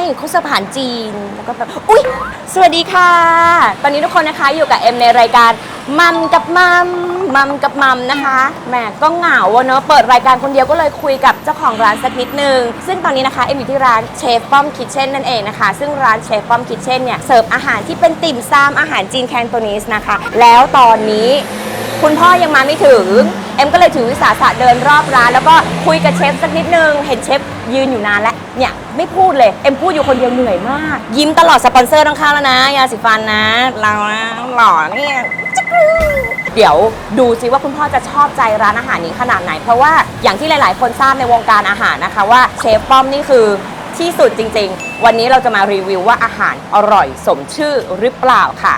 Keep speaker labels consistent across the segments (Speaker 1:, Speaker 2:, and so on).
Speaker 1: คุกสะพานจีนแล้วก็แบบอุ๊ยสวัสดีค่ะตอนนี้ทุกคนนะคะอยู่กับเอ็มในรายการมัมกับมัมมัมกับมัมนะคะแหมก็เหงาเนอะเปิดรายการคนเดียวก็เลยคุยกับเจ้าของร้านสักนิดนึงซึ่งตอนนี้นะคะเอ็มอยู่ที่ร้านเชฟป้อมคิทเช่นนั่นเองนะคะซึ่งร้านเชฟป้อมคิทเช่นเนี่ยเสิร์ฟอาหารที่เป็นติ่มซำอาหารจีนแคนโตนีสนะคะแล้วตอนนี้คุณพ่อยังมาไม่ถึงเอ็มก็เลยถือวิสาสะเดินรอบร้านแล้วก็คุยกับเชฟสักนิดนึงเห็นเชฟยืนอยู่นานแล้วเนี่ยไม่พูดเลยเอ็มพูดอยู่คนเดียวเหนื่อยมากยิ้มตลอดสปอนเซอร์ต้องเข้าแล้วนะยาสีฟันนะเรานะหล่อเนี่ยเดี๋ยวดูซิว่าคุณพ่อจะชอบใจร้านอาหารนี้ขนาดไหนเพราะว่าอย่างที่หลายๆคนทราบในวงการอาหารนะคะว่าเชฟป้อมนี่คือที่สุดจริงๆวันนี้เราจะมารีวิวว่าอาหารอร่อยสมชื่อหรือเปล่าค่ะ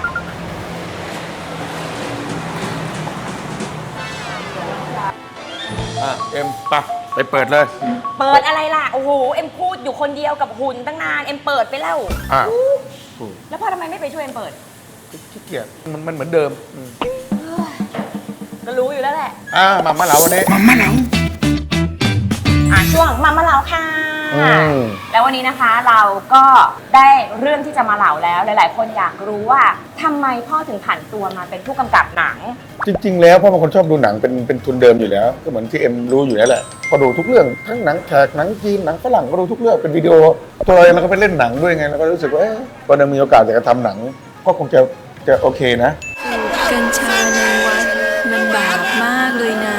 Speaker 2: เอ็มไปเปิดเลย
Speaker 1: เปิดอะไรล่ะโอ้โหเอ็มพูดอยู่คนเดียวกับหุ่นตั้งนานเอ็มเปิดไปแล้วแล้วพ่อทำไมไม่ไปช่วยเอ็มเปิด
Speaker 2: ขี้เกียจมันเหมือนเดิม
Speaker 1: ก็รู้อยู่แล้วแหละ
Speaker 2: มาเหลาวันนี้
Speaker 3: มาเหลา
Speaker 1: ช่วงมาเหลาค่ะแล้ววันนี้นะคะเราก็ได้เรื่องที่จะมาเหลาแล้วหลายๆคนอยากรู้ว่าทำไมพ่อถึงผันตัวมาเป็นผู้กำกับหนัง
Speaker 2: จริงๆแล้วพ่อเป็นคนชอบดูหนังเป็นทุนเดิมอยู่แล้วก็เหมือนที่เอ็มรู้อยู่แล้วแหละพอดูทุกเรื่องทั้งหนังแขกหนังจีนหนังฝรั่งก็ดูทุกเรื่องเป็นวิดีโอตัวเราเองเราก็ไปเล่นหนังด้วยไงแล้วก็รู้สึกว่าตอนนี้มีโอกาสจะทำหนังก็คงจะโอเคนะ
Speaker 3: กัญชาในวัดมันบาปมากเลยนะ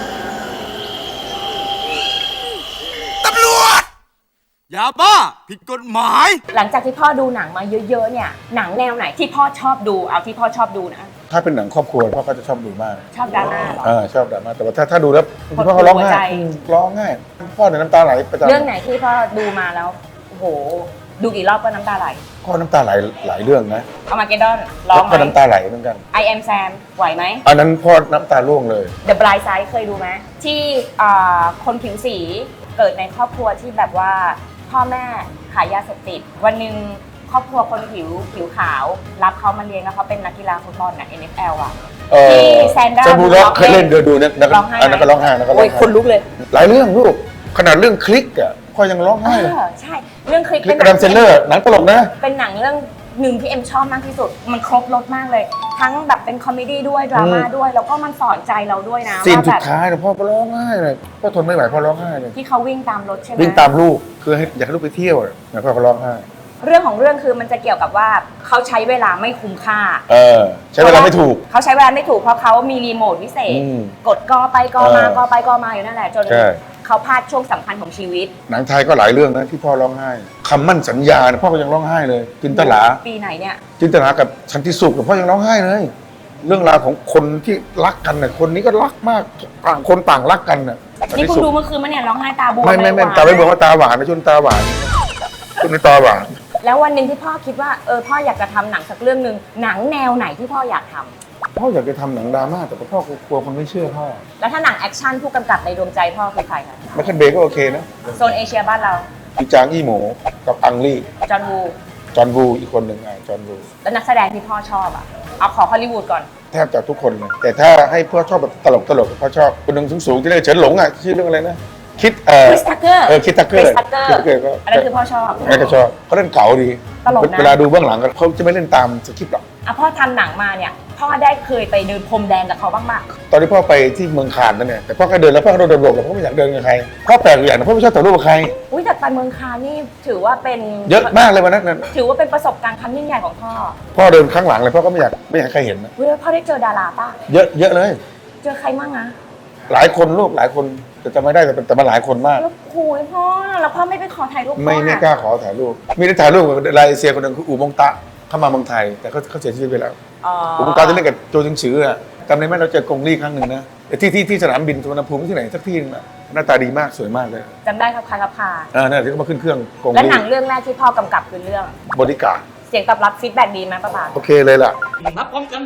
Speaker 4: ตำรวจอย่าบ้าผิดกฎหมาย
Speaker 1: หลังจากที่พ่อดูหนังมาเยอะๆเนี่ยหนังแนวไหนที่พ่อชอบดูเอาที่พ่อชอบดูนะ
Speaker 2: ถ้าเป็นหนังครอบครัวพ่อก็จะชอบดูมาก
Speaker 1: ชอบดราม่าเหรอ
Speaker 2: ชอบดราม่าแต่ว่าถ้าดูแล้วพ่อเขาร้องไห้พ่อเนี่ยน้ำตาไหลประจำ
Speaker 1: เรื่องไหนที่พ่อดูมาแล้วโอ้โหดูกี่รอบก็น้ำตาไหล
Speaker 2: พ่อน้ำตาไหลหลายเรื่องนะ
Speaker 1: อามาเกดดอนร้องไหม
Speaker 2: ก็น้ำตาไหลเหมือนกัน
Speaker 1: I am Sam ไหวไหม
Speaker 2: อันนั้นพ่อน้ำตาร่วงเลย
Speaker 1: The Blind Side เคยดูไหมที่คนผิวสีเกิดในครอบครัวที่แบบว่าพ่อแม่ขายยาเสพติดวันหนึ่งครอบครัวคนผิวขาวรับเขามาเลี้ยงแล้วเขาเป็นนักกีฬาฟุตบอลน่ะ NFL อ่ะที่แซนด้า
Speaker 2: บูล็อกเคยเล่นดูเนี่ยอันนั้นก็ร้องไห้
Speaker 1: โอ้ยคนลุกเลย
Speaker 2: หลายเรื่องลูกขนาดเรื่องคลิกอ่ะพ่อยังร้องไห้เลย
Speaker 1: ใช่เรื่องคลิก
Speaker 2: เป็นหนังเซนเลอร์หนังตลกนะ
Speaker 1: เป็นหนังเรื่องหนึ่งที่เอ็มชอบมากที่สุดมันครบรสมากเลยทั้งแบบเป็นคอมเมดี้ด้วยดราม่าด้วยแล้วก็มันสอนใจเราด้วยนะ
Speaker 2: ซีนสุดท้ายเนี่ยพ่อร้องไห้เลยพ่อทนไม่ไหวพ่อร้องไห้เลย
Speaker 1: ที่เขาวิ่งตามรถใช่ไหม
Speaker 2: วิ่งตามลูกคืออยากให้ลูกไปเที่ยวเนี่ยพ่อร้องไห้
Speaker 1: เรื่องของเรื่องคือมันจะเกี่ยวกับว่าเขาใช้เวลาไม่คุ้มค่า
Speaker 2: ใช้เวลาไม่ถูก
Speaker 1: เขาใช้เวลาไม่ถูกเพราะเขามีรีโมทวิเศษกดกอไปกอมากอไปกอมาอยู่นั่นแหละจนเขาพลาดช่วงสำคัญของชีวิต
Speaker 2: หนังไทยก็หลายเรื่องนะที่พ่อร้องไห้คำมั่นสัญญาพ่อก็ยังร้องไห้เลยจินตลา
Speaker 1: ปีไหนเนี่ย
Speaker 2: จินตลากับชันติสุขพ่อยังร้องไห้เลยเรื่องราวของคนที่รักกันน่ะคนนี้ก็รักมากต่างคนต่างรักกันน่ะ
Speaker 1: นี่คุณดูเมื่อคืนมันเนี่ยร้องไห้ตาบวม
Speaker 2: ไม่ตาไม่บวมว่าตาหวานนะชุนตาหวานชุนในตาหวาน
Speaker 1: แล้ววันหนึ่งที่พ่อคิดว่าพ่ออยากจะทำหนังสักเรื่องนึงหนังแนวไหนที่พ่ออยากทำ
Speaker 2: พ่ออยากจะทำหนังดราม่าแต่พ่อกลัวคนไม่เชื่อพ่อ
Speaker 1: แล้วถ้าหนังแอคชั่นผู้กำกับในดวงใจพ่อคือใครคะ
Speaker 2: ไมเคิลเบย์ก็โอเคนะ
Speaker 1: โซนเอเชียบ้านเรา
Speaker 2: พี่จางอี้หมูกับอังลี่
Speaker 1: จอห์นวู
Speaker 2: อีกคนหนึ่งจอห์นวู
Speaker 1: แล้วนักแสดงที่พ่อชอบเอาขอฮอลลีวูดก่อน
Speaker 2: แทบจะทุกคนเลยแต่ถ้าให้พ่อชอบแบบตลกพ่อชอบคนหนึ่งสูงที่เรียกเฉินหลงชื่อเรื่องอะไรนะคิด
Speaker 1: ทักเกอร์
Speaker 2: คิดทักเกอร์
Speaker 1: ก็อันนั้นคือพ่อชอบ
Speaker 2: นั่นก็ชอบเขาเล่นเก๋าดี
Speaker 1: ตลกนะ
Speaker 2: เวลาดูเบื้องหลังเขาจะไม่เล่นตามสคริปต์หรอก
Speaker 1: พ่อทำหนังมาเนี่ยพ่อได้เคยไปเดินพรมแดงกับเขาบ้างไหม
Speaker 2: ตอนที่พ่อไปที่เมืองคานนั่นเนี่ยแต่พ่อก็เดินแล้วพ่อก็โดนหลบพ่อไม่อยากเดินกับใครพ่อแปลกอย่างนะพ่อไม่ชอบถ่ายรูปกับใคร
Speaker 1: แต่ไปเมืองคานนี่ถือว่าเป็น
Speaker 2: เยอะมากเลยวันนั้น
Speaker 1: ถือว่าเป็นประสบการณ์ครั้งยิ่งใหญ่ของพ่อ
Speaker 2: เดินข้างหลังเลยพ่อก็ไม่อยากใครเห็นนะ
Speaker 1: พ่อได้เจอดาราป่ะ
Speaker 2: เยอะเลย
Speaker 1: เจอใครบ้างนะ
Speaker 2: หลายคนลูกหลายคนแต่จำไม่ได้แต่มาหลายคนมาก
Speaker 1: แล้วคุยพ่อแล้วพ่อไม่ไปขอถ่ายรูป
Speaker 2: ไม่กล้าขอถ่ายรูปมีได้ถ่ายรูปกับไลเซียคนหนึ่งคืออู่มงตะเข้ามาเมืองไทยแต่เขาเสียชีวิตไปแล้วอู่มงตะจะเล่นกับโจจิงฉือจำได้ไหมเราเจอกงลี่ครั้งหนึ่งนะที่สนามบินสุวรรณภูมิที่ไหนสักที่นึงหน้าตาดีมากสวยมากเลย
Speaker 1: จำได้ครับครับ
Speaker 2: นั่นที่เขามาขึ้นเครื่องกงลี่
Speaker 1: และหนังเรื่องแรกที่พ่อกำกับคือเรื่อง
Speaker 2: บอดี้การ์ด
Speaker 1: เสียงตอบรับฟีดแบ็กดีไหมป้าป๋า
Speaker 2: โอเคเลยล่ะ
Speaker 4: นับพร้อมกัน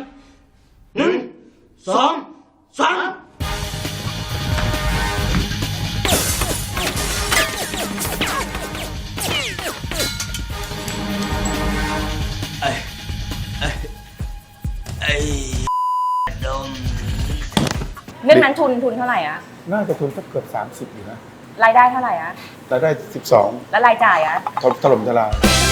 Speaker 4: 1 2 3
Speaker 1: เรื่องนั้นทุนเท่าไหร่
Speaker 2: น่าจะทุนสักเกือบ30อยู่นะ
Speaker 1: รายได้เท่าไหร่อะ
Speaker 2: รายได้
Speaker 1: แล้วรายจ่ายอะ
Speaker 2: 12ถล่มทลาย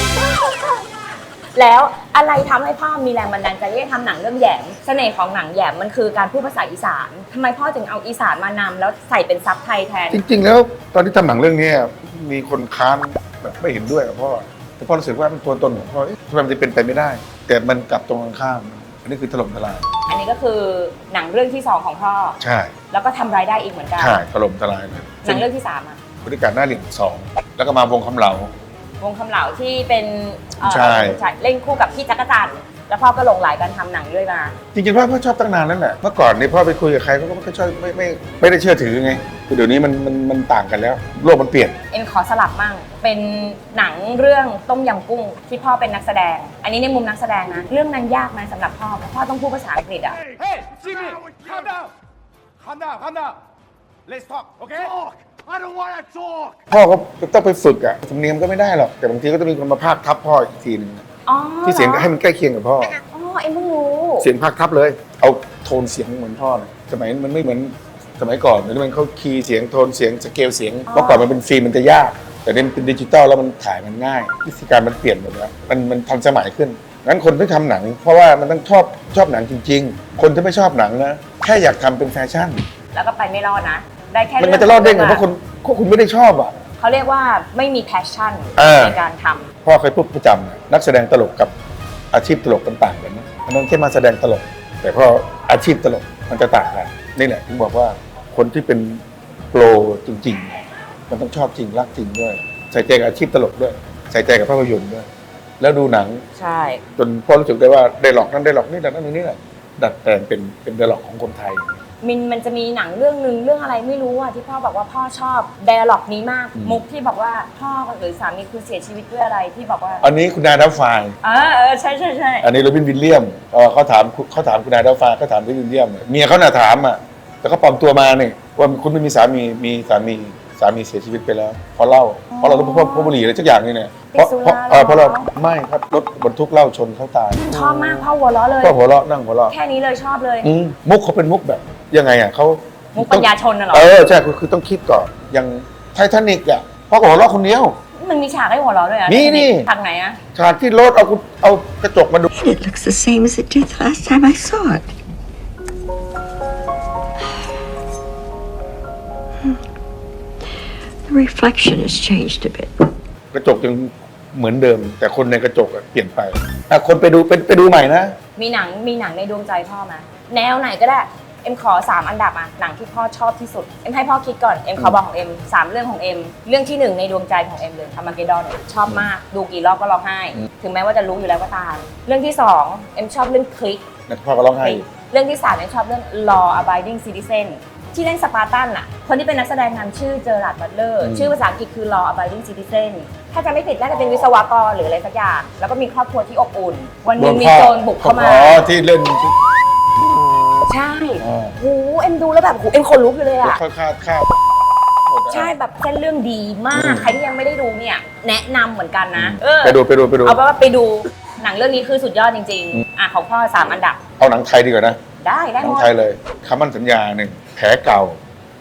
Speaker 1: แล้วอะไรทำให้พ่อมีแรงบันดาลใจที่จะทำหนังเรื่องแหยมเสน่ห์ของหนังแหยมมันคือการพูดภาษาอีสานทำไมพ่อถึงเอาอีสานมานำแล้วใส่เป็นซับไทยแทน
Speaker 2: จริงๆแล้วตอนที่ทำหนังเรื่องนี้มีคนค้านแบบไม่เห็นด้วยกับพ่อแต่พ่อรู้สึกว่ามันตัวตนของพ่อทำไมมันจะเป็นไปไม่ได้ แต่มันกลับตรงกันข้ามอันนี้คือถล่มทลาย
Speaker 1: อันนี้ก็คือหนังเรื่องที่ 2ของพ่อ
Speaker 2: ใช่
Speaker 1: แล้วก็ทำรายได้อีกเหมือนกัน
Speaker 2: ใช่ถล่มทลายเลย
Speaker 1: หนังเรื่องที่3อะ
Speaker 2: บริการหน้าเหลี่ยม2แล้วก็มาวงคำเหลา
Speaker 1: วงคำเหลาที่เป็น
Speaker 2: ใช่
Speaker 1: เล่นคู่กับพี่จักรจันทร์แล้วพ่อก็หลงไหลการทำหนังด้วยมา
Speaker 2: จริงๆพ่อชอบตั้งนานนั่นแหละเมื่อก่อนเนี่ยพ่อไปคุยกับใครพ่อก็ไม่ค่อยชอบไม่ได้เชื่อถือไงคือเดี๋ยวนี้มันต่างกันแล้วโลกมันเปลี่ยน
Speaker 1: เอ็มขอสลับมั่งเป็นหนังเรื่องต้มยำกุ้งที่พ่อเป็นนักแสดง อันนี้ในมุมนักแสดงนะเรื่องนั้นยากไหมสำหรับพ่อเพราะพ่อต้องพูดภาษาอังกฤษอ่ะ
Speaker 4: Hey Jimmy calm down calm down calm down let's talk okay talk I don't want to talk
Speaker 2: พ่อก็ต้องไปฝึกอะสำเนียงก็ไม่ได้หรอกแต่บางทีก็จะมีคนมาพากย์ทับพ่ออีกทีนึง
Speaker 1: อ๋อ
Speaker 2: ที่เสียงให้มันใกล้เคียงกับพ่อ
Speaker 1: อ๋อเอ็มเพิ่งรู้
Speaker 2: เสียงพากย์ทับเลย เอาโทนเสียงเหมือนพ่อเลยสมัยมันไม่เหมือนสมัยก่อนมันเขาคีย์เสียงโทนเสียงสเกลเสียงเมื่อก่อนมันเป็นฟิล์มมันจะยาก แต่นี่มันเป็นดิจิตอลแล้วมันถ่ายมันง่ายวิธีการมันเปลี่ยนหมดแล้วมันทันสมัยขึ้นงั้นคนที่ทำหนัง เพราะว่ามันต้องชอบหนังจริง ๆ คนที่ไม่ชอบหนังนะแค่อยากทำเป็นแฟชั่น
Speaker 1: แล้วก็ไปไม่รอดนะ ได้แค่
Speaker 2: มันจะรอดได้ไงเพราะคุณไม่ได้ชอบอ่ะ
Speaker 1: เขาเรียกว่าไม่มี passion ในการทำ
Speaker 2: พ่อเคยพูดประจำนะนักแสดงตลกกับอาชีพตลกมันต่างกันนะอันนั้นแค่มาแสดงตลก แต่พออาชีพตลกมันจะต่างกันนี่แหละถึงบอกว่าคนที่เป็นโปรจริงๆมันต้องชอบจริงรักจริงด้วยใส่ใจกับอาชีพตลกด้วยใส่ใจกับภาพยนตร์ด้วยแล้วดูหนัง
Speaker 1: ใช่
Speaker 2: จนพ่อรู้สึกได้ว่าไดร็อกนั้นไดร็อกนี่ไดร็อกนั้นนี่แหละดัดแปลงเป็นไดร็อกของคนไทย
Speaker 1: มันจะมีหนังเรื่องนึงเรื่องอะไรไม่รู้อะที่พ่อบอกว่าพ่อชอบ dialog นี้มาก มุกที่บอกว่าพ่อหรือสามีคือเสียชีวิตด้วยอะไรที่บอกว่า
Speaker 2: อันนี้คุณนายดับไฟ
Speaker 1: ใช่ใช่ใช่
Speaker 2: อันนี้โรบินวิลเลียมเขาถามคุณนายดับไฟเขาถามโรบินวิลเลียมเมียเขาน่ะถามอ่ะแต่เขาปลอมตัวมาเนี่ยว่าคุณไม่มีสามีเสียชีวิตไปแล้วเพราะเหล้าเพราะเราต้องพกบุหรี่อะไรสักอย่างนี่เนี่ยเพราะเราไม่ครับรถบรรทุกเหล้าชนเขาตาย
Speaker 1: ชอบมากพ่อหัวเราะเลย
Speaker 2: ก็หัวเราะนั่งหัวเราะ
Speaker 1: แค่นี้เลยชอบเลย
Speaker 2: มุกเขาเป็นมุกแบบยังไงอ่ะเขา
Speaker 1: มุกปัญญาชนน่ะเหรอ
Speaker 2: ใช่คือต้องคิดก่อนอย่างไททานิกอ่ะพ่อก็หัวเราะคนเดียว
Speaker 1: มันมีฉากให้หัวเราะด้วยอะ
Speaker 2: มีนี่
Speaker 1: ฉากไหนอะ
Speaker 2: ฉากที่รถเอากระจกมาดู
Speaker 3: It looks the same as it did the last time I saw it. The reflection has changed a bit.
Speaker 2: กระจกยังเหมือนเดิม แต่คนในกระจกอะเปลี่ยนไปคนไปดูใหม่นะ
Speaker 1: มีหนังในดวงใจพ่อไหมแนวไหนก็ได้เอ็มขอ3อันดับอะหนังที่พ่อชอบที่สุดเอ็มให้พ่อคิดก่อนเอ็มขอบอกของเอ็ม3เรื่องของเอ็มเรื่องที่1ในดวงใจของเอ็มเลยทามาเกดอนชอบมากดูกี่รอบก็ร้องไห้ ถึงแม้ว่าจะรู้อยู่แล้วก็ตามเรื่องที่2เอ็มชอบเรื่องคลิก
Speaker 2: แล้วพ่อก็ร้องไห้
Speaker 1: เรื่องที่3เอ็มชอบเรื่อง Law Abiding Citizen ที่เล่นสปาร์ตันอะคนที่เป็นนักแสดงนำชื่อเจอร์ราร์ด บัตเลอร์ชื่อภาษาอังกฤษคือ Law Abiding Citizen ถ้าจะไม่ผิดน่าจะเป็นวิศวกรหรืออะไรสักอย่างแล้วก็มีครอบครัวที่อบอุ่น วันหนึงมีโจรบุกเข้ามา
Speaker 2: ที่เล่น
Speaker 1: ใช่โหเอ็มดูแล้วแบบโหเอ็มขนลุกอยู่เลยอะ
Speaker 2: ข้าว
Speaker 1: ใช่แบบเส้นเรื่องดีมาก ใครที่ยังไม่ได้ดูเนี่ย แนะนำเหมือนกันนะ
Speaker 2: ไปดู
Speaker 1: เอาเป็นว่าไปดูหนังเรื่องนี้คือสุดยอดจริงๆของพ่อ3อันดับ
Speaker 2: เอาหนังไทยดีกว่านะ
Speaker 1: ได้
Speaker 2: หนั
Speaker 1: หมด
Speaker 2: ไทยเลยคำมั่นสัญญา1แผลเก่า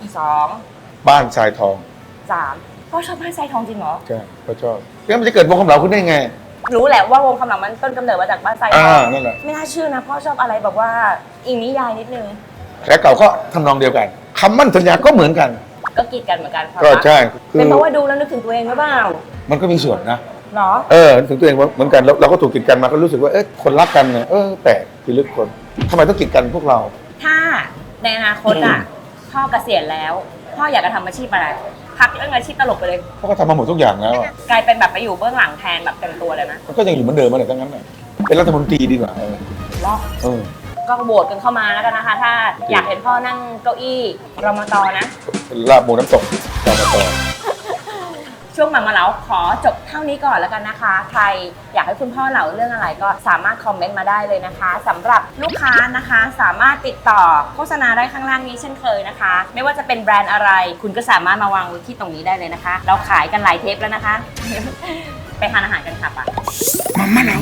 Speaker 1: 2
Speaker 2: บ้านทรายทอง
Speaker 1: 3พ่อชอบบ้านทรายทองจริงเหรอ
Speaker 2: ใช่พ่อชอบแล้วมันจะเกิดวงคำเหลาขึ้นได้ไง
Speaker 1: รู้แหละว่าวงคำเหลามันต้นกำเนิดมาจากบ้านทรายทอง
Speaker 2: นั่นแหละ
Speaker 1: ไม่น่าเชื่อนะพ่อชอบอะไรแบบว่าอิงนิยายนิดนึง
Speaker 2: แผลเก่าก็ทำนองเดียวกันคำมั่นสัญญาก็เหมือนกัน
Speaker 1: ก็กีดกันเหมือนกันความ
Speaker 2: ก็
Speaker 1: รัก
Speaker 2: ใช่คือ
Speaker 1: เป็นเพราะว่าดูแล้วนึกถึงตัวเองหรือเปล่า
Speaker 2: มันก็มีส่วนนะ
Speaker 1: เหรอ
Speaker 2: ถึงตัวเองเหมือนกันแล้วเราก็ถูกกีดกันมาก็รู้สึกว่าคนรักกันเนี่ยแปลกพิลึกคนทำไมต้องกีดกันพวกเรา
Speaker 1: ถ้าในอนาคตอ่ะพ่อเกษียณแล้วพ่ออยากจะทำอาชีพอะไรพักเรื่องอาชีพตลกไปเลย
Speaker 2: เพราะเขาทำมาหมดทุกอย่างแล้วอะ
Speaker 1: กลายเป็นแบบไปอยู่เบื้องหลังแทนแบบเต็มตัวเลยนะ
Speaker 2: มันก็ยังอยู่เหมือนเดิมมาเลยทั้งนั้นน่ะเป็นรัฐมนตรีดีกว่า
Speaker 1: รอบ ก็โหวตกันเข้ามาแล้วกันนะคะ ถ้าอยากเห็นพ่อนั่งเก้าอี้รมตนะ
Speaker 2: ลาบหมูน้ำตกต่อมาต่อ
Speaker 1: ช่วงมาเหลาขอจบเท่านี้ก่อนแล้วกันนะคะ ใครอยากให้คุณพ่อเล่าเรื่องอะไรก็สามารถคอมเมนต์มาได้เลยนะคะสำหรับลูกค้านะคะสามารถติดต่อโฆษณาได้ข้างล่างนี้เช่นเคยนะคะ ไม่ว่าจะเป็นแบรนด์อะไร คุณก็สามารถมาวางไว้ที่ตรงนี้ได้เลยนะคะ เราขายกันหลายเทปแล้วนะคะ ไปทานอาหารกันค่ะปะมาเหลา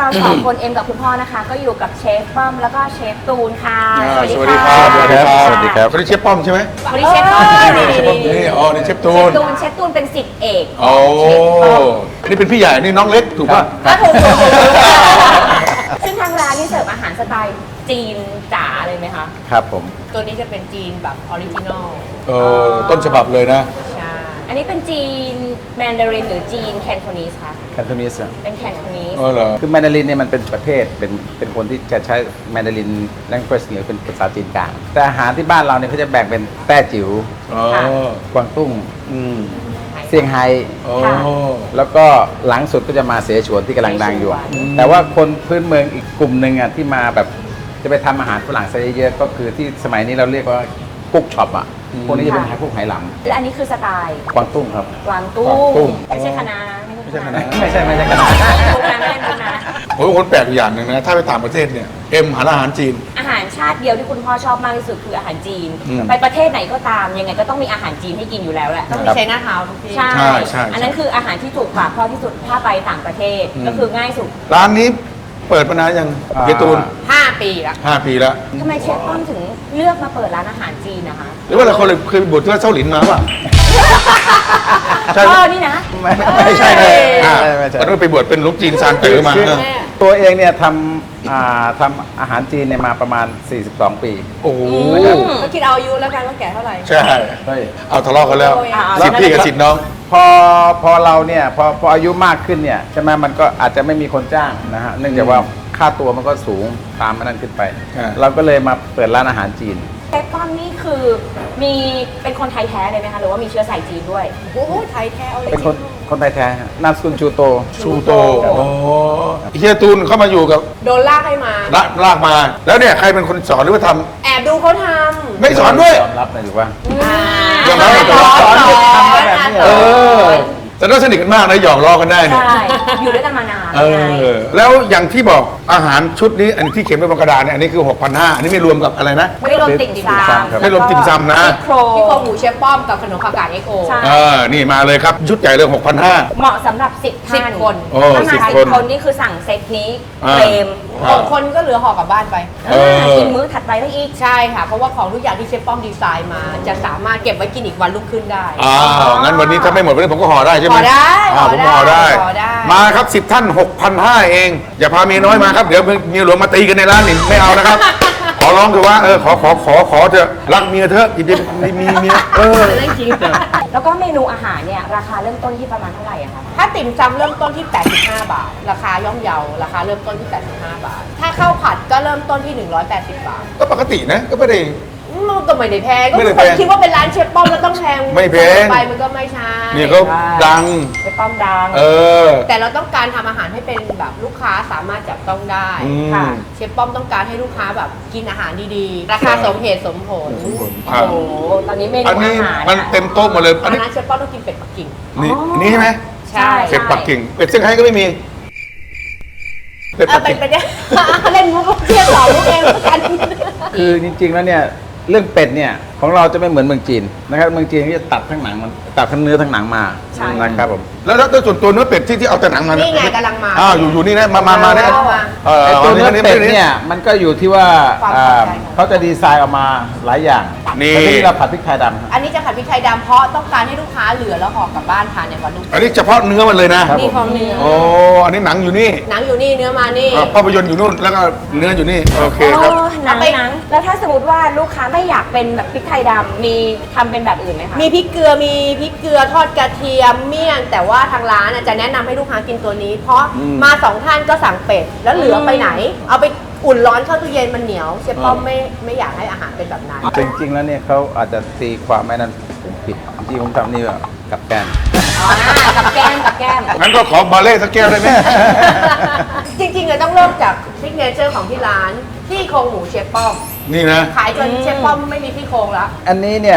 Speaker 1: เราสองคนเอ็มกับคุณพ่อนะคะ ก็อยู่กับเชฟป้อมแล้วก็เชฟตูนค่ะ
Speaker 2: สวัสดีครับ
Speaker 1: สวัสดีครับ
Speaker 2: สวัสดีครับคนนี้เชฟป้อมใช่ไหม
Speaker 1: วันนี้เชฟป้อมนี่
Speaker 2: นี่อ๋อนี่เชฟตู
Speaker 1: เชฟ
Speaker 2: น
Speaker 1: ตูนเชฟตูนเป็นศิษย์เอก
Speaker 2: โอ้
Speaker 1: เชฟป้อม
Speaker 2: นี่เป็นพี่ใหญ่นี่น้องเล็กถูกป่ะ
Speaker 1: ก็ถูกซึ่งทางร้านนี่เสิร์ฟอาหารสไตล์จีนจ๋าเลยไหมคะ
Speaker 5: ครับผม
Speaker 6: ตัวนี้จะเป็นจีนแบบออริจินอล
Speaker 2: ต้นฉบับเลยนะ
Speaker 6: ใช่
Speaker 1: อันนี้เป็นจีนแมนดารินหรือจีนแคนโทนีสคะ
Speaker 5: แคนโทนีส
Speaker 1: เป็นแคนโทนีส
Speaker 2: เออเหรอ
Speaker 5: คือแมนดารินเนี่ยมันเป็นประเทศเป็นคนที่จะใช้แมนดาริน language หรือเป็นภาษาจีนกลาง แต่อาหารที่บ้านเราเนี่ยเขาจะแบ่งเป็นแต้จิ๋ว
Speaker 2: อ๋อ
Speaker 5: กวางตุ้ง
Speaker 2: อืม
Speaker 5: เซี่ยงไฮ้
Speaker 2: โอ้
Speaker 5: แล้วก็หลังสุดก็จะมาเสฉวนที่กำลังดังอยู่ แต่ว่าคนพื้นเมืองอีกกลุ่มหนึ่งอ่ะที่มาแบบจะไปทำอาหารฝรั่งซะเยอะๆก็คือที่สมัยนี้เราเรียกว่ากุ๊กช็อปอ่ะพวกนี้จะเป็นพวกไหหล
Speaker 1: และอันนี้คือสไตล์
Speaker 5: ำกวางตุ้งครับ
Speaker 1: กวางตุ้
Speaker 2: กวางตุ้ง
Speaker 1: งไม่ใช่คณะ
Speaker 2: ไม่ใช่คณะ
Speaker 5: ไม่ใช่ขนาด
Speaker 1: ทุกนะไม่ใช่ทุกนะ
Speaker 2: ผมเป็นคนแปลกอยู่อย่างหนึ่งนะ ถ้าไปต่างประเทศเนี่ยเอ็มหาอาหารจีน
Speaker 1: อาหารชาติเดียวที่คุณพ่อชอบมากที่สุดคืออาหารจีน
Speaker 2: อืม
Speaker 1: ไปประเทศไหนก็ตามยังไงก็ต้องมีอาหารจีนให้กินอยู่แล้วแหละ
Speaker 6: ต้องมีใช้หน้าเท้าทุกที่
Speaker 1: ใช่
Speaker 2: ใช่
Speaker 1: อันนั้นคืออาหารที่ถูกปากพ่อที่สุดถ้าไปต่างประเทศก็คือง่ายสุด
Speaker 2: ร้านนี้เปิดมานานยังเฮียตูน
Speaker 6: 5 ปีละ
Speaker 2: 5 ปีแล้ว
Speaker 1: ทำไมเชฟป้อมถึงเลือกมาเปิดร้านอาหารจีนนะคะ
Speaker 2: หรือว่าเราเคยไปบวชที่วัดเส้าหลินมาป่ะ ใช่ไหม
Speaker 1: พ่อนี่นะ
Speaker 5: ไม่ใช่เลย
Speaker 2: อ่า
Speaker 5: ไม่ใช่
Speaker 2: ตอนนั้นไปบวชเป็นลูกจีนซานเต๋อมา
Speaker 5: คือ
Speaker 2: เออ
Speaker 5: ตัวเองเนี่ยทำอาหารจีนเนี่ยมาประมาณ 42 ปี
Speaker 2: โอ้โห
Speaker 6: ก็คิดเอาอายุแล้วกันว่าแก่เท่าไหร่
Speaker 2: ใช่
Speaker 5: เฮ้ย
Speaker 2: เอาทะเลาะกันแล้ว
Speaker 1: อ่า
Speaker 2: สิทธิ์พี่กับสิทธิ์น้อง
Speaker 5: พอเราเนี่ยพออายุมากขึ้นเนี่ยใช่ไหมมันก็อาจจะไม่มีคนจ้างนะฮะเนื่องจากว่าค่าตัวมันก็สูงตามมันนั้นขึ้นไป
Speaker 2: อ่า
Speaker 5: เราก็เลยมาเปิดร้านอาหารจีน
Speaker 1: เชฟป้อมนี่คือมีเป็นคนไทยแท้เลยไหมคะหรือว่ามีเชื้อสายจีนด้วย
Speaker 6: โอ้โหไทยแท้เอาเลย
Speaker 5: เป็นคนไทยแท้ฮะนามสกุลชูโต
Speaker 2: ชูโตโอ้เฮียตูนเข้ามาอยู่กับ
Speaker 6: โดนลากให้มา
Speaker 2: ลากมา แล้วเนี่ยใครเป็นคนสอนหรือว่าท
Speaker 6: แอบดูเขาท
Speaker 2: ำไม่สอนด้วย
Speaker 5: ยอมรับเลยหรือว่า
Speaker 6: ำ
Speaker 2: ยอมรับเลย
Speaker 6: สอน
Speaker 5: ทำแบบนี้เหร
Speaker 2: เอ
Speaker 5: อ
Speaker 2: อแต่ต้องสนิทกันมากนะหยอกล้อกันได้เนี่ย
Speaker 1: ใช่ อยู่ด้วยกันมานาน
Speaker 2: เออ แล้วอย่างที่บอกอาหารชุดนี้อันที่เขียนไว้บนกระดาษเนี่ยอันนี้คือ 6,500อันนี้ไม่รวมกับอะไรนะ
Speaker 1: ไม่รวมติ่มซำ
Speaker 2: ไม่รวมติ่มซำนะ
Speaker 1: ซี่โคร
Speaker 6: พี่โครง
Speaker 1: ง
Speaker 6: หมูเชฟป้อมกับขนมผักกาดเอ็กโอ
Speaker 1: ใช่
Speaker 2: นี่มาเลยครับ ชุดใหญ่เลย 6,500
Speaker 1: เหมาะสำหรับ10 ท่าน
Speaker 6: 10 คน
Speaker 2: โอ้
Speaker 1: ถ้ามา
Speaker 2: 10
Speaker 1: 10
Speaker 2: คน
Speaker 1: คนนี่คือสั่งเซตนี้
Speaker 2: อ่า
Speaker 1: เฟรม
Speaker 6: 6 คนก็เหลือห่อกลับบ้านไป
Speaker 2: เออ
Speaker 1: กินมื้อถัดไปได้อีก
Speaker 6: ใช่ค่ะ เพราะว่าของทุกอย่างที่เชฟป้อมดีไซน์มา จะสามารถเก็บไว้กินอีกวันรุ่งขึ้นได้
Speaker 2: อ้าวงั้นวันนี้ถ้าไม่หมดวันนี้ผมก็ห่อได้ใช่ไหม
Speaker 6: ห่อได้
Speaker 2: ผมห่อได้
Speaker 6: ห่อได้
Speaker 2: มาครับ 10 ท่าน 6,500 เอง อย่าพาเมียน้อยมาครับ เดี๋ยวเมียหลวงมาตีกันในร้านนี่ไม่เอานะครับ ขอร้องคือว่าขอเถอะรักเมียเถอะอย่ามีเมีย
Speaker 6: เรื่องจริง
Speaker 1: แล้วก็เมนูอาหารเนี่ยราคาเริ่มต้นที่ประมาณเท่าไหร่อะคะ
Speaker 6: ถ้าติ่มซำเริ่มต้นที่ 85 บาท ราคาย่อมเยาราคาเริ่มต้นที่ 85 บาท ถ้าข้าวผัดก็เริ่มต้นที่ 180 บาท
Speaker 2: ก็ปกตินะ ก็ไม่ได้
Speaker 6: มันก็ไม่ได้แพงก็
Speaker 2: ไม่ได้
Speaker 6: คน
Speaker 2: แพง
Speaker 6: คิดว่าเป็นร้านเชฟป้อมแล้วต้องแพง
Speaker 2: ไม่แพง
Speaker 6: ไปมันก็ไม่ใช่
Speaker 2: นี่เขาดัง
Speaker 1: เชฟป้อมดัง
Speaker 2: เออ
Speaker 6: แต่เราต้องการทำอาหารให้เป็นแบบลูกค้าสามารถจับต้องได้
Speaker 2: อืม
Speaker 1: ค่ะ
Speaker 6: เชฟป้อมต้องการให้ลูกค้าแบบกินอาหารดีๆ ราคาสมเหตุสมผล
Speaker 2: ครับ
Speaker 1: โอ้โหตอนนี้เมนู
Speaker 2: อันนี้
Speaker 1: อาหาร
Speaker 2: มันเต็มโต๊ะหมดเลย อันนี้
Speaker 6: ร้านเชฟป้อมต้องกินเป็ดปักกิ่ง
Speaker 2: นี่นี่ใช่ไหม
Speaker 6: ใช่
Speaker 2: เป็ดปักกิ่ง เป็ดเซี่ยงไฮ้ก็ไม่มี เป็ดปัก
Speaker 6: เป็
Speaker 2: กิ่
Speaker 6: น
Speaker 2: ง
Speaker 6: ไปได้ เล่นมุกเที่ยวสองมุกเองเหมือนกัน
Speaker 5: คือจริงๆแล้วเนี่ยเรื่องเป็ดเนี่ยของเราจะไม่เหมือนเมืองจีนนะครับเมืองจีนเขาจะตัดทั้งหนังมันตัดทั้งเนื้อทั้งหนังมา
Speaker 1: ใช่
Speaker 5: นะครับผม
Speaker 2: แล้วส่วนตัวเนื้อเป็ดที่เอาแต่หนังมา
Speaker 6: นี่
Speaker 2: นี่
Speaker 6: ไงกำลังมา
Speaker 2: อยู่นี่นะมาเนี่ย
Speaker 6: เอามา
Speaker 5: ไอ้ตัวเนื้อเป็ดเนี่ยมันก็อยู่ที่ว่า
Speaker 6: ความ
Speaker 5: อ่า
Speaker 6: พอใจของ
Speaker 5: เขาจะดีไซน์ออกมาหลายอย่าง
Speaker 2: นี่
Speaker 5: แต่ที่เราผัดพริกไทยดำครับ
Speaker 6: อันนี้จะผัดพริกไทยดำเพราะต้องการให้ลูกค้าเหลือแล้วห่อกลับบ้านทานในวันรุ่ง
Speaker 2: อันนี้เฉพาะเนื้อมันเลยนะ
Speaker 5: ครับ
Speaker 6: นี่ของเนื้อ
Speaker 2: โอ้ อันนี้หนังอยู่นี่
Speaker 6: หนังอยู่นี่เนื้อมานี่
Speaker 2: ภาพยนตร์อยู่นู่น แล้วก็เนื้ออยู่นี่ โอเคครับ
Speaker 1: โอ้หนัง
Speaker 6: เอาไป
Speaker 1: หนังแล้วถ้าสมมติว่าลูกค้าไม่อยากเป็นแบบพริกไทยดำมีทำเป็นแบบอื่นไหมคะ
Speaker 6: มีพริกเกลือมีพริกเกลือทอดกระเทียมเมี่ยง แต่ว่าทางร้านจะแนะนำให้ลูกค้ากินตัวนี้ เพราะมาสองท่านก็สั่งเป็ดแล้วเหลือไปไหน เอาไปอุ่นร้อนเข้าตู้เย็นมันเหนียวเชฟป้อมไม่อยากให้อาหารเป็นแบบนั้น
Speaker 5: จริงๆแล้วเนี่ยเขาอาจจะตีความไม่นั้นผมผิดจริงๆผมทำนี่แบบกับแกล้ม
Speaker 1: กับแก้มกับแก้ม
Speaker 2: งั้นก็ขอบาเล่สักแก้วได้ไหม
Speaker 6: จริงๆต้องเริ่มจากซิกเนเจอร์ของที่ร้านที่โครงหมูเชฟป้อม
Speaker 2: นี่นะ
Speaker 6: ขายจนเชฟป้อมไม่มีที่โครงแล้ว
Speaker 5: อันนี้เนี่ย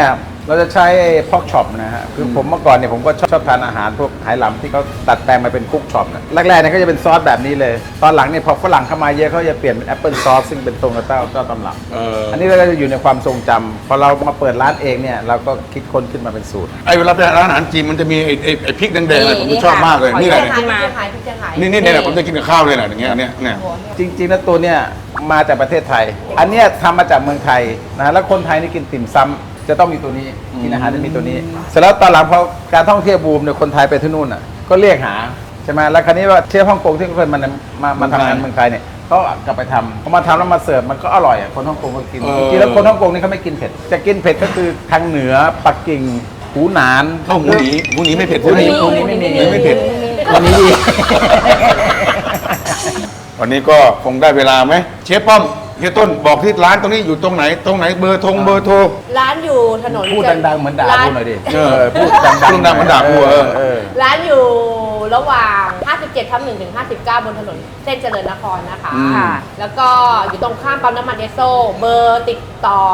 Speaker 5: เราจะใช้พอกช็อปนะฮะคือผมเมื่อก่อนเนี่ยผมก็ชอบทานอาหารพวกไหหลำที่เขาตัดแปลงมาเป็นคุกช็อปนะแรกๆเนี่ยก็จะเป็นซอสแบบนี้เลย ตอนหลังเนี่ยพอฝรั่งเข้ามาเยอะเขาจะเปลี่ยนเป็นแอปเปิลซอสซึ่งเป็นตรงกับเจ้าตำรับอันนี้เราก็จะอยู่ในความทรงจำพอเรามาเปิดร้านเองเนี่ยเราก็คิดค้นขึ้นมาเป็นสูตร
Speaker 2: ไอ้เวลาไปร้านอาหารจีนมันจะมีไอ้พริกแดงๆเลยผมชอบมากเลยนี่แหละ
Speaker 6: เชียงรายพี่เชียงราย
Speaker 2: นี่แหละผมจะกินกับข้าวเลยแหละอย่างเงี้ยเนี่ย
Speaker 5: จริงๆแล้วตัวเนี่ยมาจากประเทศไทย อันเนี้ยทำมาจากเมืองไทยนะแล้วคนไทยนี่กินติ่มซำจะต้องมีตัวนี้กินอาหารจะมีตัวนี้ เสร็จแล้วตอนหลังพอการท่องเที่ยวบูมเนี่ยคนไทยไปที่นู่นอ่ะก็เรียกหาใช่ไหมแล้วคราวนี้ว่าเชฟฮ่องกงที่เคยมาทำงานเมืองไทยเนี่ยเขากลับไปทำเขามาทำแล้วมาเสิร์ฟมันก็อร่อยอ่ะคนฮ่องกงก็กินจริงๆแล้วคนฮ่องกงนี่เขาไม่กินเผ็ดจะกินเผ็ดก็คือทางเหนือปักกิ่งหูหนาน
Speaker 2: ข้าวหมูหนีไม่เผ็ด
Speaker 5: หูหนีไม่มี
Speaker 2: ไม่เผ็ด
Speaker 5: วันนี้ดี
Speaker 2: วันนี้ก็คงได้เวลาไหมเชฟป้อมเฮียต้นบอกที่ร้านตรงนี้อยู่ตรงไหนเบอร์โทร
Speaker 6: ร้านอยู่ถนน
Speaker 5: พูดดังๆเหมือนด่ากูหน่อยดิ
Speaker 2: พูดดังๆเหมือนด่ากู
Speaker 6: ร้านอยู่ระหว่าง 57/1 ถึง 59 บนถนนเส้นเจริญนครนะคะ
Speaker 1: ค่ะ
Speaker 6: แล้วก็อยู่ตรงข้ามปั๊มน้ำมันเอสโซ เบอร์ติดต่อ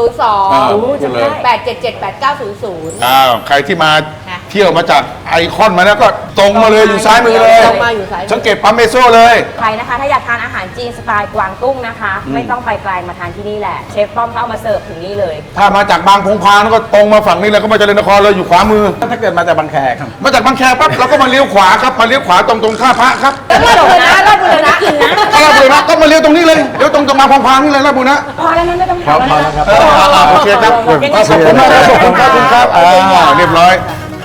Speaker 2: ใครที่มา
Speaker 6: ค่ะ
Speaker 2: เที่ยวมาจากไอคอนมาแล้วก็ตรงมาเลยอยู่ซ้ายมือเลย
Speaker 6: ตรงมาอยู่ซ้ายมือ
Speaker 2: สังเกตปั๊มเมโซเลย
Speaker 1: ใครนะคะ ถ้าอยากทานอาหารจีนสไตล์กวางตุ้งนะคะ ไม่ต้องไปไกลมาทานที่นี่แหละ เชฟป้อมเขาเอามาเสิร์ฟถึงนี่เลย
Speaker 2: ถ้ามาจากบางพงพางก็ตรงมาฝั่งนี้เลยก็มาเจริญนครเลยอยู่ขวามือ
Speaker 5: ถ้าเกิดมาจากบางแคครับ
Speaker 2: มาจากบางแคปั๊บเราก็มาเลี้ยวขวาครับมาเลี้ยวขวาตรงท่าพระครับ
Speaker 6: แล้วราชบุรณะราชบุรณะ
Speaker 1: กินนะ
Speaker 2: ถ้าราชบุรณะก็มาเลี้ยวตรงนี้เลยเลี้ยวตรงจากบางพงพางนี่เลยราชบุรณะ
Speaker 1: พอแล้วนะไม่ต้องถาม
Speaker 5: พอแล้วครับ
Speaker 2: โอเคครับขอบคุณมากครับขอบคุณครับเรียบร้อย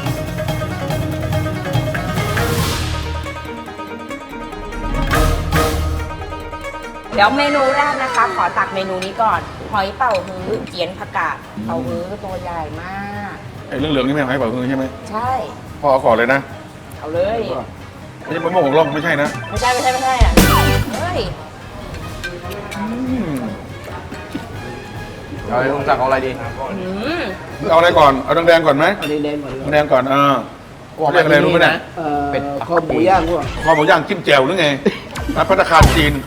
Speaker 1: เดี๋ยวเมนูแรกนะคะ ขอตักเมนูนี้ก่อน หอยเป่าฮื้อเจียนผักกาดเป่าฮื้อตัวใหญ่มาก
Speaker 2: ไอ้เรื่องเหลืองนี่ไม่ให้เป่ามือใช่ไหม
Speaker 1: ใช่
Speaker 2: พ่อเอาก่อนเลยนะ
Speaker 1: เอาเลย
Speaker 2: ไม่ใช่มะม่วงของร่องไม่ใช่นะ
Speaker 1: ไม่ใช่อ่ะเฮ้ย
Speaker 5: เอาอะไรลุงสั่งเอาอะไรดี
Speaker 1: อืม
Speaker 2: เอาอะไรก่อนเอาแดงๆก่อนไหมแดงก่อนเรียกอะไรรู้ไหมเนี่ย
Speaker 5: เป็ด
Speaker 7: คอหมูย่างพวก
Speaker 2: คอหมูย่างจิ้มแจ่วหรือไงร้านภัตตาคารจีน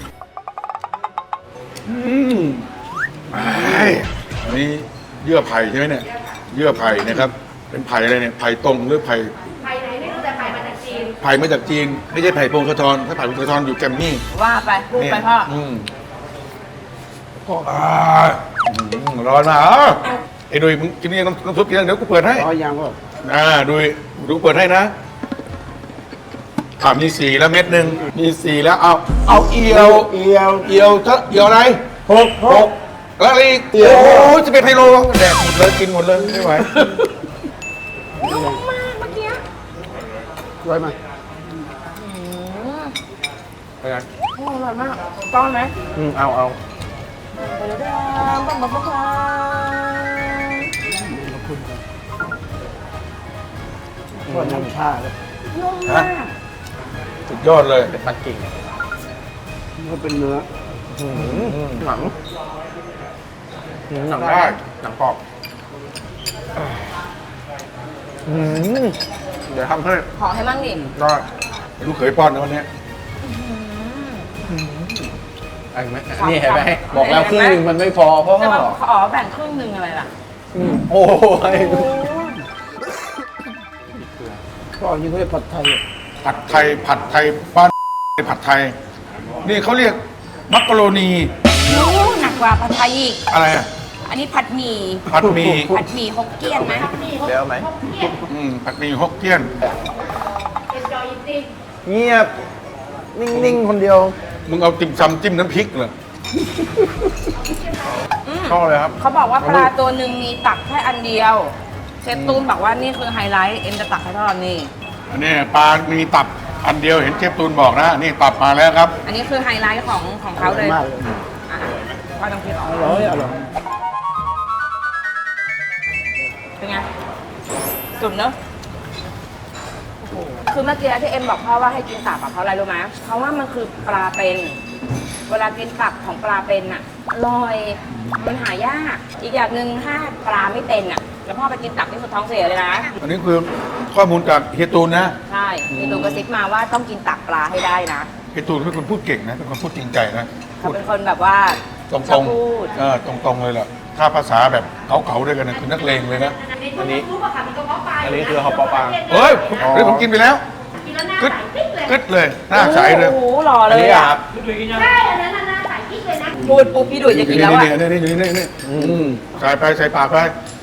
Speaker 2: อันนี้เยื่อไผ่ใช่ไหมเนี่ยเยื่อไผ่นะครับเป็นไผ่อะไรเนี่ยไผ่ตรงหรือไผ่
Speaker 6: ไผ่ไหนไม่รู้แต่ไผ่มาจากจีน
Speaker 2: ไผ่มาจากจีนไม่ใช่ไผ่พงศธรถ้าไผ่พงศธรอยู่แกรมมี่
Speaker 1: ว่าไปพูดไปพ่อ
Speaker 2: ร้อนมากไอ้ดุยมึงกินนี่น้ำซุปกินเดี๋ยวกูเปิดให้
Speaker 7: อ๋อย่างพวก
Speaker 2: ดุยดูเปิดให้นะมี4แล้วเม็ดหนึ่งมี4แล้วเอาเอียว
Speaker 7: เอียว
Speaker 2: เอียวอะไรหกแล้วอะไรอีกโอ้ยจะเป็นไฮโลแดกหมดเลยกินหมดเลยไม่ไหว
Speaker 1: นุ่มมากเมื่อกี้
Speaker 7: ร้อยมา
Speaker 1: อร่อยมากก้อนไหม
Speaker 5: เอา
Speaker 1: บังบังบัง
Speaker 7: พวกน้ำชาเลย
Speaker 1: นุ่มมาก
Speaker 2: สุดยอดเลย
Speaker 5: เป็นปักกิ่ง
Speaker 7: มันเป็นเนื้อ
Speaker 5: หนัง
Speaker 2: หนังได้
Speaker 5: หนังกรอบเดี๋ยวทำให้
Speaker 1: ขอให้มั่งดิ
Speaker 5: ได้
Speaker 2: ลูกเขยป้อนนะวันนี้
Speaker 5: ไอ้ไหมนี่เห็นไหมบอกแล้วครึ่งนึงมันไม่พอเพราะ
Speaker 1: จะ
Speaker 5: ว่า
Speaker 1: มาขอแบ่งครึ่งหนึ่งอะไรล่ะ
Speaker 5: โอ้ย
Speaker 7: ก็อันนี้เขาเรียกผัดไทย
Speaker 2: ผัดไทยบ้านผัดไทย นี่เขาเรียกมักกะโรนี
Speaker 1: นู้หนักกว่าผัดไทยอีก
Speaker 2: อะไรอ่ะ
Speaker 1: อันนี้ผัดหมี่
Speaker 2: ผัดหมี่
Speaker 1: ผัดหมี่ฮกเกี้ยนไหม
Speaker 5: เดี๋ยวไหม
Speaker 2: ผัดหมี่ฮกเกี้ยน
Speaker 5: เงียบ นิ่งๆ คนเดียว
Speaker 2: มึงเอาติ่มซำจิ้มน้ำพริกเหรอ
Speaker 5: ชอบเลยครับ
Speaker 1: เขาบอกว่าปลาตัวหนึ่งมีตักแค่อันเดียว เชฟตูนบอกว่านี่คือไฮไลท์เอ็มจะตักให้ทอดนี่
Speaker 2: อันนี้ปลามีตับอันเดียวเห็นเชฟตูนบอกนะนี่ตับมาแล้วครับ
Speaker 1: อันนี้คือไฮไลท์ของเขาเลย
Speaker 7: มากเลย
Speaker 1: อ่ะพ่อต้องคิดออก
Speaker 7: อร่อยอร่อย
Speaker 1: เป็นไงสุดเนอะคือเมื่อกี้ที่เอ็มบอกพ่อว่าให้กินตับอะเพราะอะไรรู้ไหมเพราะว่ามันคือปลาเป็น เวลากินตับของปลาเป็นอะอร่อย มันหายาก อีกอย่างหนึ่งถ้าปลาไม่เป็นอะแล้วพ่อไปกินตับนี่คือท้องเสียเลยนะ
Speaker 2: อันนี้คือข้อมูลจากเฮียตูนนะ
Speaker 1: ใช่มีตูนกระซิบมาว่าต้องกินตับปลาให้ได้นะ
Speaker 2: เฮียตูนเป็นคนพูดเก่งนะเป็นคนพูดจริงใจนะ
Speaker 1: เขาเป็นคนแบบว่า
Speaker 2: ตรง
Speaker 1: ชอบพูด
Speaker 2: ตรงๆเลยแหละถ้าภาษาแบบเก่าๆด้วยกันนะคือนักเลงเลยนะ
Speaker 6: อันนี้รู้ป่ะคะมีกระเพาะปลา
Speaker 7: อันนี้คือฮอปปอปลา
Speaker 2: เฮ้ยผมกินไปแล้ว
Speaker 6: กินแล้วหน้าก
Speaker 2: ึด
Speaker 6: ใสปิ๊กเลย
Speaker 2: กึดเลยหน้าใสเลย
Speaker 1: โอ้โหหล่อเลยอ่ะ
Speaker 6: ใช่อันนั้นน่ะหน้าใสปิ๊กเลยนะ
Speaker 1: พูดปุ๊บพี่ดุยจะกินแล้วอ่ะ
Speaker 2: นี่ใส่ไปใส่ปากไป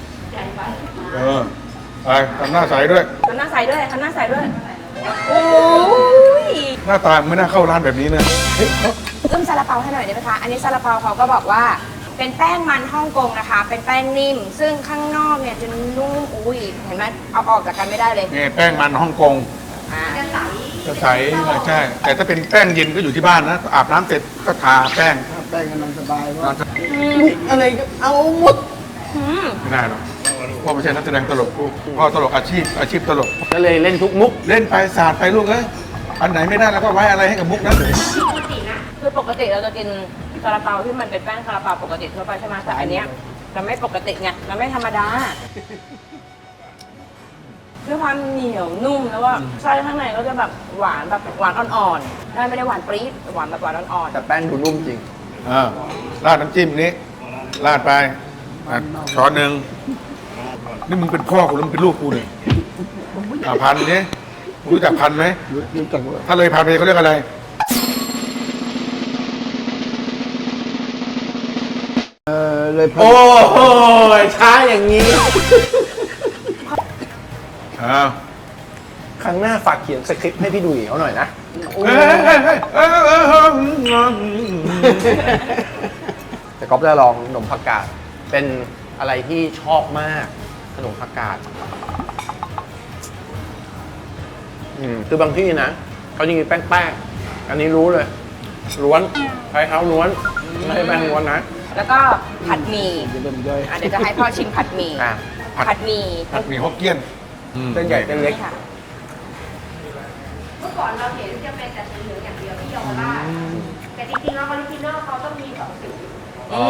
Speaker 2: ไปทำหน้าใสด้วย
Speaker 1: ทำหน้าใสด้วยทำหน้าใสด้วยโอ้ย
Speaker 2: หน้าตาไม่น่าเข้าร้านแบบนี้นะ
Speaker 1: อึ้มซาลาเปาให้หน่อยได้ไหมคะอันนี้ซาลาเปาเขาก็บอกว่าเป็นแป้งมันฮ่องกงนะคะ เป็นแป้งนิ่ม ซึ่งข้างนอกเนี่ยจะนุ่มอุ้ยเห็นไหมเอาออกจากกันไม่ได้เลย
Speaker 2: นี่แป้งมันฮ่องกง
Speaker 1: อ่า
Speaker 2: จะใสใช่ แต่ถ้าเป็นแป้งเย็นก็อยู่ที่บ้านนะ อาบน้ำเสร็จก็ทาแป้ง
Speaker 7: แป้งกำลังสบายว่า
Speaker 6: อะไรก็เอาหมด
Speaker 2: ไม่ได้หรอกพ่อไม่ใช่นักแสดงตลกพ่อตลกอาชีพตลก
Speaker 7: ก็เลยเล่นทุกมุก
Speaker 2: เล่นไปศาสตร์ไปลูกเอ้ยอันไหนไม่ได้แล้วก็ไว้อะไรให้กับมุกนั้น
Speaker 1: คือปกติเราจะกินซาลาเปาที่มันเป็นแป้งซาลาเปาปกติทั่วไปใช่ไหมแต่อันเนี้ยมันไม่ปกติไงมันไม่ธรรมดาด้วยความเหนียวนุ่มแล้วว่าไส้ข้างในก็จะแบบหวานแบบหวานอ่อนๆได้ไม่ได้หวานปรี๊ดหวานแบบหวานอ่อน
Speaker 7: แต่แป้งดูนุ่มจริง
Speaker 2: ราดน้ำจิ้มนี้ราดไปช้อนหนึ่งนี่มึงเป็นพ่อกูหรือมึงเป็นลูกกูเนี่ยพันนี้รู้จักพันไหม
Speaker 7: รู้จักว่า
Speaker 2: ถ้าเลยพันไปเขาเรียกอะไร
Speaker 7: เลยพอ
Speaker 5: โอ้โหช้าอย่างนี้
Speaker 2: อ้าว
Speaker 8: ครั้งหน้าฝากเขียนสคริปต์ให้พี่ดุยเขาหน่อยนะ แต่ก๊อฟจะลองขนมผักกาดเป็นอะไรที่ชอบมากขนมผักกาดคือบางที่นะเขาจะมีแป้งๆอันนี้รู้เลย ล้วนใช้เท้าล้วนไม่ใช่แป้งล้วนนะ
Speaker 1: ๆแล้วก็ผัดหมี่
Speaker 7: จะเริ่มย่อย
Speaker 1: เดี๋ยวจะให้พ่อชิมผัดหมี่
Speaker 8: อ่ะ
Speaker 1: ผัดหมี่
Speaker 2: ผัดหมี่ฮกเกี้ยน
Speaker 8: เส้นใหญ่เส้นเล็ก
Speaker 1: นี่ค่ะ
Speaker 6: เมื่อก่อนเราเห็นจะเป็นแต่สีเหลืองอย่างเดียวที่เยาวราชแต่จริงๆแล้วออริจินอลเขาต้องมีสองสี
Speaker 8: อ๋อ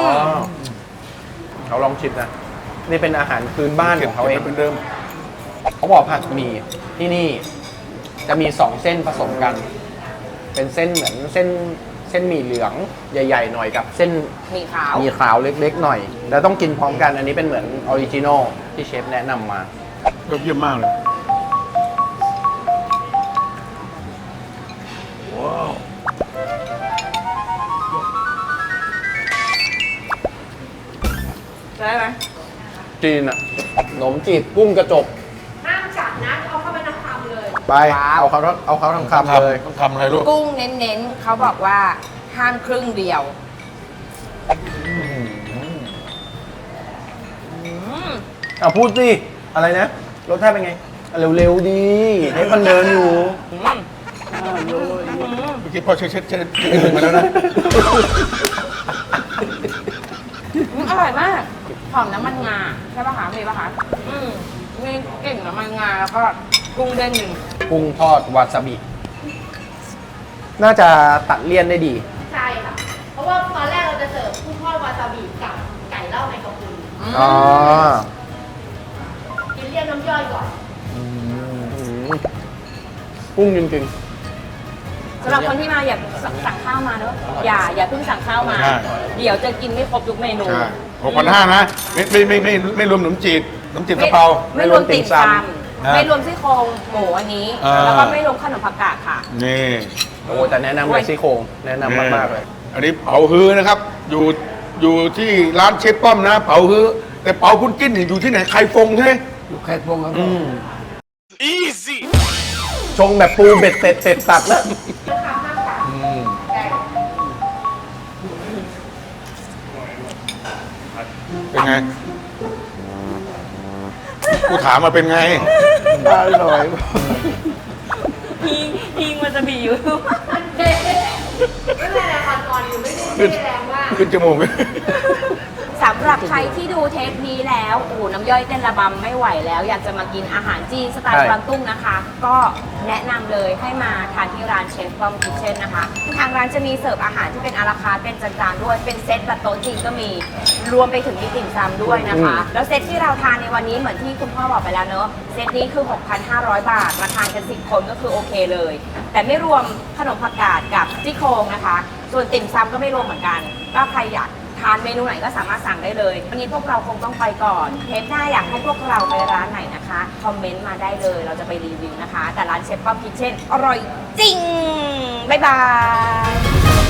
Speaker 8: เขาลองชิมนะ นี่เป็นอาหารพื้นบ้านของเขาเอง
Speaker 2: เป็นเดิม
Speaker 8: เขาบอกผัดหมี่ที่นี่จะมีสองเส้นผสมกัน เป็นเส้นเหมือนเส้นหมี่เหลืองใหญ่ๆหน่อยกับเส้น
Speaker 1: หมี่ขาว
Speaker 8: หมี่ขาวเล็กๆหน่อย แล้วต้องกินพร้อมกันอันนี้เป็นเหมือนออริจินอลที่เชฟแนะนำมา
Speaker 2: ยอดเยี่ยมมากเลย
Speaker 1: ได้ไหม
Speaker 8: จีนอะขนมจีบกุ้งกระจก
Speaker 6: ห้ามจับนะเอาเข้าไปน้ำคำเลย
Speaker 8: ไปเอาเขาทั้งคำเลย
Speaker 2: ต้องทำอะไรลูก
Speaker 1: กุ้งเน้นๆเขาบอกว่าห้ามครึ่งเดียว
Speaker 8: เอาพูดสิ อะไรนะ รสชาติเป็นไงอ่ะเร็วๆดีให้มันเดินอยู่
Speaker 2: เมื่อกี้พ่อเช็ดมาแล้วนะ
Speaker 1: อร่อยมากหอมน้ำมันงาใช่ป่ะคะมีป่ะคะมีกลิ่นน้ำมันงาแล้วก็กุ้งเด้งหนึ่ง
Speaker 8: กุ้งทอดวาซาบิ น่าจะตัดเลี่ยนได้ดี
Speaker 6: ใช่ค่ะ เพราะว่าตอนแรกเราจะเสิร์ฟกุ้งทอดวาซาบิกับไก่เล่าในกระปุก
Speaker 8: อ๋อ
Speaker 6: กินเรียกน้ำย่อยก่อน
Speaker 8: กุ้งจริง
Speaker 1: สำหรับคนที่มาอยากสั่งข้าวมาเนอะอย่าเพิ่งสั่งข้าวมา
Speaker 2: ใช่
Speaker 1: เดี๋ยวจะกินไม่ครบทุกเมนู
Speaker 2: ใช่6,500นะไม่รวมขนมจีบกระเพรา
Speaker 1: ไม่รวมติ่มซ
Speaker 2: อ่า
Speaker 1: ำไม่รวมซี่โครงหมูอันนี้
Speaker 2: อ่า
Speaker 1: แล้วก็ไม่รวมขนมผักกาดค่ะ
Speaker 2: นี่
Speaker 8: ๆ โอ้แต่แนะนำเลยซี่โครงแนะนำมากๆเลย
Speaker 2: อันนี้เป๋าฮื้อนะครับ อยู่ที่ร้านเชฟป้อมนะ เป๋าฮื้อแต่เป๋าคุณกิ้นนี่อยู่ที่ไหนใครฟงใช่ไหม
Speaker 7: อยู่แค่พวงครับ
Speaker 8: ชงแบบปูเบ็ดเสร็จตัดแล้ว
Speaker 2: เป็นไง กูถามมาเป็นไง
Speaker 7: อร่อย
Speaker 1: พิงมันจะบีอยู่
Speaker 6: ไม่เป็นไรค่ะตอนอยู่ไม่ได้แรงมาก
Speaker 2: ขึ้นจมูก
Speaker 1: สำหรับใครที่ดูเทปนี้แล้วโอ้โหน้ำย่อยเต้นระบำไม่ไหวแล้ว อยากจะมากินอาหารจีนสไตล์
Speaker 8: ใช่
Speaker 1: กวางตุ้งนะคะ ก็แนะนำเลยให้มาทานที่ร้านเชฟป้อมคิทเช่นนะคะ ทางร้านจะมีเสิร์ฟอาหารที่เป็นอาราคาร์ทเป็นจานๆด้วยเป็นเซตแบบโต๊ะจีนก็มีรวมไปถึงมีติ่มซำด้วยนะคะ แล้วเซตที่เราทานในวันนี้เหมือนที่คุณพ่อบอกไปแล้วเนอะเซตนี้คือ 6,500 บาทมาทานกัน10 คนก็คือโอเคเลย แต่ไม่รวมขนมผักกาดกับซี่โครงนะคะ ส่วนติ่มซำก็ไม่รวมเหมือนกันก็ใครอยากททานเมนูไหนก็สามารถสั่งได้เลยวันนี้พวกเราคงต้องไปก่อนเทปหน้าอยากให้พวกเราไปร้านไหนนะคะคอมเมนต์มาได้เลยเราจะไปรีวิวนะคะแต่ร้านเชฟป้อมคิทเช่นอร่อยจริงบ๊ายบาย